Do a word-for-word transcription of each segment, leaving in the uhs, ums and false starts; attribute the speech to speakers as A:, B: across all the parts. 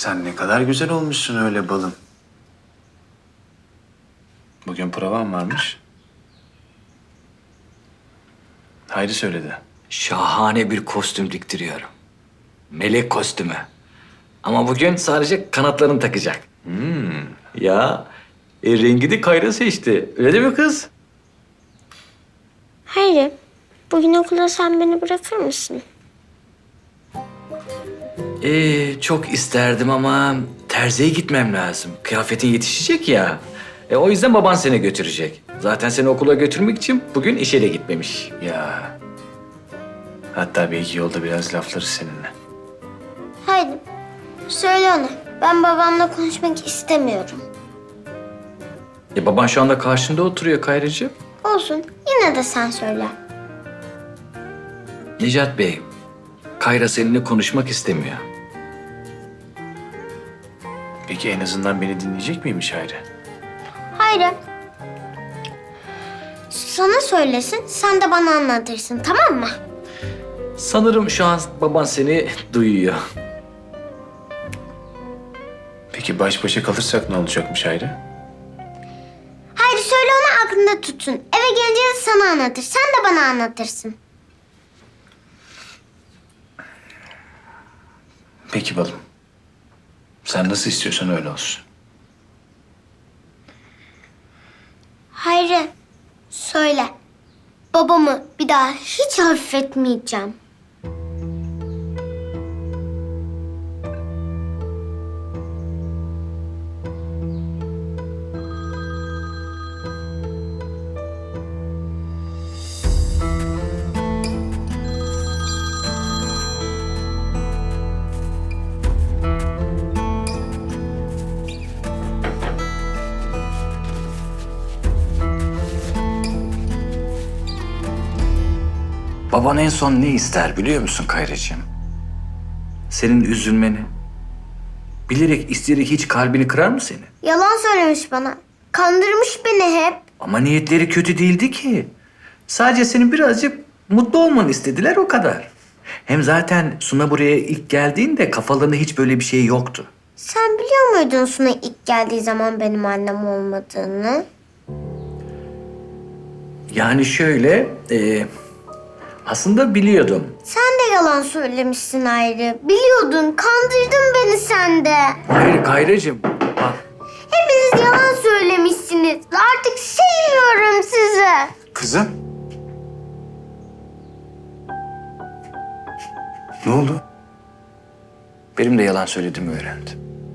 A: Sen ne kadar güzel olmuşsun öyle balım. Bugün provan varmış. Hayri söyledi.
B: Şahane bir kostüm diktiriyorum. Melek kostümü. Ama bugün sadece kanatlarını takacak. Hmm. Ya e, rengi de Kayra seçti. Öyle değil mi kız?
C: Hayır. Bugün okula sen beni bırakır mısın?
B: Ee, çok isterdim ama terziye gitmem lazım. Kıyafetin yetişecek ya. E, o yüzden baban seni götürecek. Zaten seni okula götürmek için bugün işe de gitmemiş.
A: Ya. Hatta belki yolda biraz laflarız seninle.
C: Haydi. Söyle ona. Ben babamla konuşmak istemiyorum.
B: E, baban şu anda karşında oturuyor Kayracığım.
C: Olsun. Yine de sen söyle.
B: Necat Bey, Kayra seninle konuşmak istemiyor.
A: Peki en azından beni dinleyecek miymiş Hayri?
C: Hayır. Sana söylesin, sen de bana anlatırsın, tamam mı?
B: Sanırım şu an baban seni duyuyor.
A: Peki baş başa kalırsak ne olacakmış Hayri?
C: Hayır, söyle ona aklında tutsun. Eve gelince de sana anlatır, sen de bana anlatırsın.
A: Peki balım. Sen nasıl istiyorsan öyle olsun.
C: Hayır, söyle. Babamı bir daha hiç affetmeyeceğim.
B: Baban en son ne ister biliyor musun Kayracığım? Senin üzülmeni. Bilerek isteyerek hiç kalbini kırar mı seni?
C: Yalan söylemiş bana. Kandırmış beni hep.
B: Ama niyetleri kötü değildi ki. Sadece senin birazcık mutlu olmanı istediler o kadar. Hem zaten Suna buraya ilk geldiğinde kafalarında hiç böyle bir şey yoktu.
C: Sen biliyor muydun Suna ilk geldiği zaman benim annem olmadığını?
B: Yani şöyle, e, aslında biliyordum.
C: Sen de yalan söylemişsin Ayrı. Biliyordun, kandırdın beni sen de.
B: Hayır Kayracığım, bak.
C: Hepiniz yalan söylemişsiniz. Artık sevmiyorum sizi.
A: Kızım. Ne oldu?
B: Benim de yalan söylediğimi öğrendim.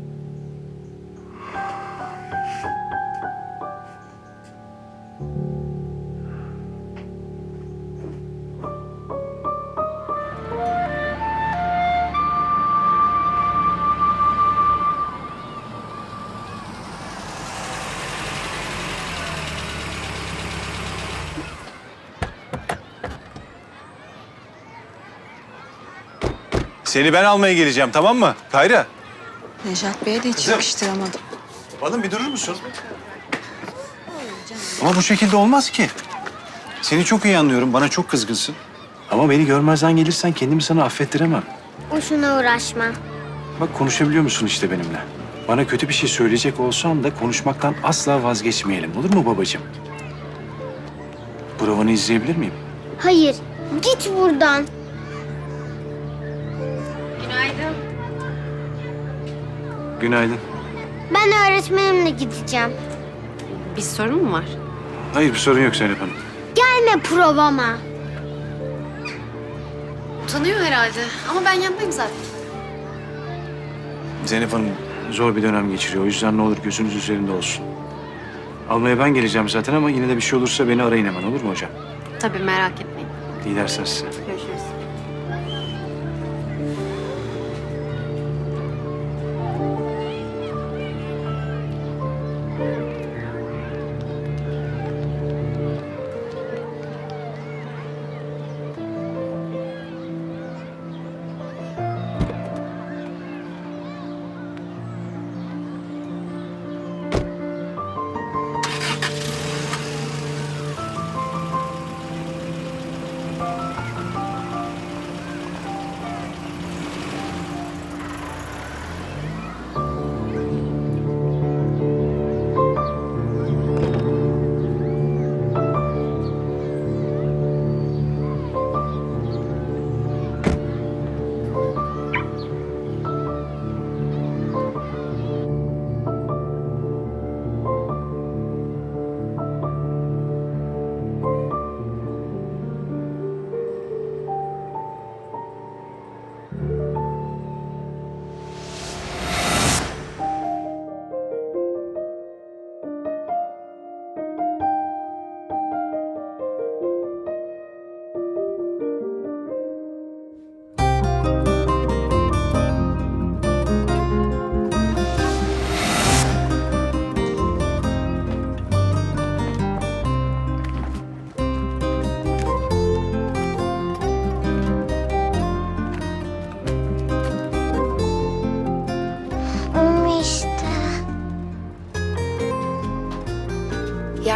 D: Seni ben almaya geleceğim, tamam mı? Kayra.
E: Nejat Bey'e de hiç
D: Kızım.
E: yakıştıramadım.
D: Balım bir durur musun? Ama bu şekilde olmaz ki. Seni çok iyi anlıyorum, bana çok kızgınsın.
A: Ama beni görmezden gelirsen kendimi sana affettiremem.
C: Boşuna uğraşma.
A: Bak konuşabiliyor musun işte benimle? Bana kötü bir şey söyleyecek olsan da konuşmaktan asla vazgeçmeyelim. Olur mu babacığım? Provanı izleyebilir miyim?
C: Hayır, git buradan.
A: Günaydın.
C: Ben öğretmenimle gideceğim.
E: Bir sorun mu var?
A: Hayır bir sorun yok Zeynep Hanım.
C: Gelme provama.
E: Utanıyor herhalde ama ben yanındayım zaten.
A: Zeynep Hanım zor bir dönem geçiriyor. O yüzden ne olur gözünüz üzerinde olsun. Almaya ben geleceğim zaten ama yine de bir şey olursa beni arayın hemen, olur mu hocam?
E: Tabii merak etmeyin.
A: İyi dersler size.
E: Görüşürüz.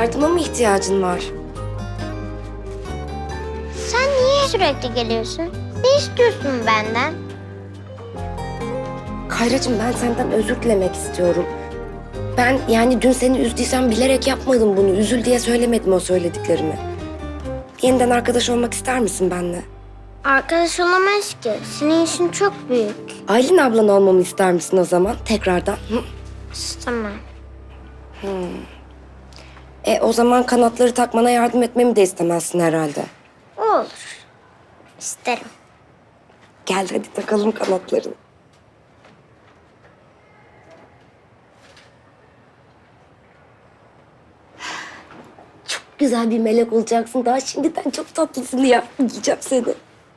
F: Yardıma mı ihtiyacın var?
C: Sen niye sürekli geliyorsun? Ne istiyorsun benden?
F: Kayracığım ben senden özür dilemek istiyorum. Ben yani dün seni üzdüysem bilerek yapmadım bunu. Üzül diye söylemedim o söylediklerimi. Yeniden arkadaş olmak ister misin benimle?
C: Arkadaş olamayız ki. Senin işin çok büyük.
F: Aylin ablan olmamı ister misin o zaman tekrardan? Hı?
C: İstemem.
F: E o zaman kanatları takmana yardım etmemi de istemezsin herhalde.
C: Olur. İsterim.
F: Gel hadi takalım kanatlarını. Çok güzel bir melek olacaksın. Daha şimdiden çok tatlısın ya. Yiyeceğim seni.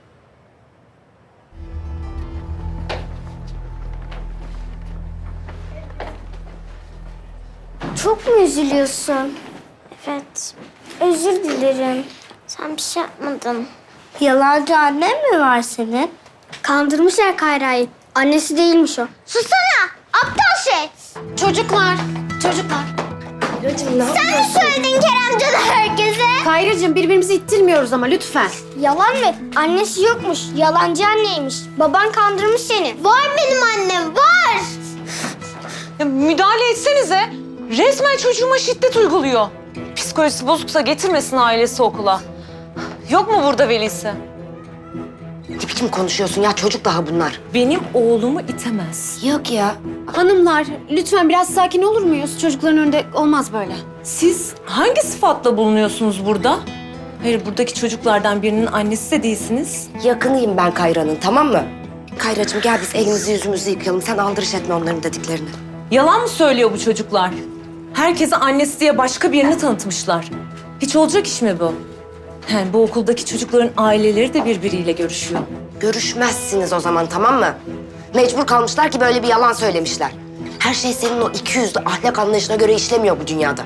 C: Çok mu üzülüyorsun? Evet. Özür dilerim. Sen bir şey yapmadın. Yalancı annen mi var senin? Kandırmışlar Kayra'yı. Annesi değilmiş o. Susana! Aptal şey!
E: Çocuklar, çocuklar.
F: Kayracığım ne
C: Sen mi
F: yapıyorsun?
C: söyledin Keremcan'a herkese?
E: Kayracığım birbirimizi ittirmiyoruz ama lütfen.
C: Yalan mı? Annesi yokmuş. Yalancı anneymiş. Baban kandırmış seni. Var benim annem, var!
G: Ya müdahale etsenize. Resmen çocuğuma şiddet uyguluyor. Psikolojisi bozuksa getirmesin ailesi okula. Yok mu burada velisi?
F: Ne biçim konuşuyorsun ya? Çocuk daha bunlar.
G: Benim oğlumu itemez.
F: Yok ya.
E: Hanımlar, lütfen biraz sakin olur muyuz? Çocukların önünde olmaz böyle.
G: Siz hangi sıfatla bulunuyorsunuz burada? Hayır, buradaki çocuklardan birinin annesi de değilsiniz.
F: Yakınıyım ben Kayra'nın, tamam mı? Kayracığım gel biz elimizi yüzümüzü yıkayalım. Sen aldırış etme onların dediklerini.
G: Yalan mı söylüyor bu çocuklar? Herkese annesi diye başka birini tanıtmışlar. Hiç olacak iş mi bu? Yani bu okuldaki çocukların aileleri de birbiriyle görüşüyor.
F: Görüşmezsiniz o zaman, tamam mı? Mecbur kalmışlar ki böyle bir yalan söylemişler. Her şey senin o iki yüzlü ahlak anlayışına göre işlemiyor bu dünyada.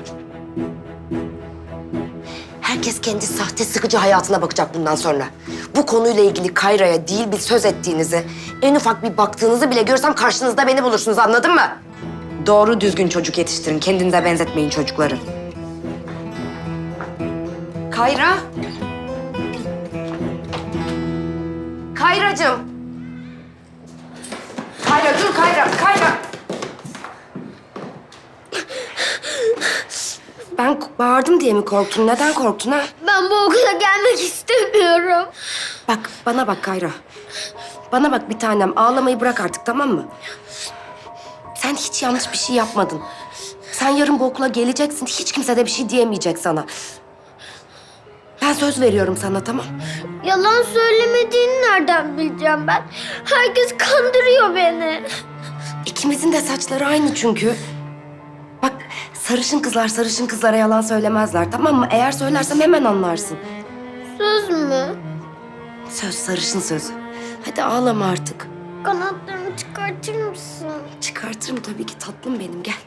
F: Herkes kendi sahte sıkıcı hayatına bakacak bundan sonra. Bu konuyla ilgili Kayra'ya değil bir söz ettiğinizi, en ufak bir baktığınızı bile görsem karşınızda beni bulursunuz, anladın mı? Doğru düzgün çocuk yetiştirin, kendinize benzetmeyin çocukları. Kayra. Kayracığım. Kayra dur Kayra, Kayra. Ben bağırdım diye mi korktun? Neden korktun ha?
C: Ben bu okula gelmek istemiyorum.
F: Bak bana bak Kayra. Bana bak bir tanem, ağlamayı bırak artık, tamam mı? Sen hiç yanlış bir şey yapmadın. Sen yarın bu okula geleceksin, hiç kimse de bir şey diyemeyecek sana. Ben söz veriyorum sana, tamam?
C: Yalan söylemediğini nereden bileceğim ben? Herkes kandırıyor beni.
F: İkimizin de saçları aynı çünkü. Bak sarışın kızlar sarışın kızlara yalan söylemezler, tamam mı? Eğer söylersem hemen anlarsın.
C: Söz mü?
F: Söz, sarışın sözü. Hadi ağlama artık.
C: Kanatlarımı çıkartır mısın?
F: Çıkartırım tabii ki tatlım benim, gel.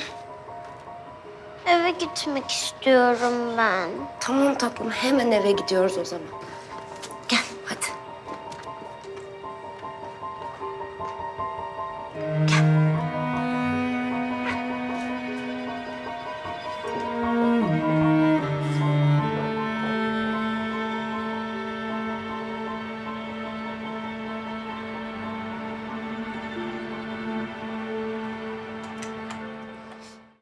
C: Eve gitmek istiyorum ben.
F: Tamam tatlım, hemen eve gidiyoruz o zaman. Gel, hadi. Gel.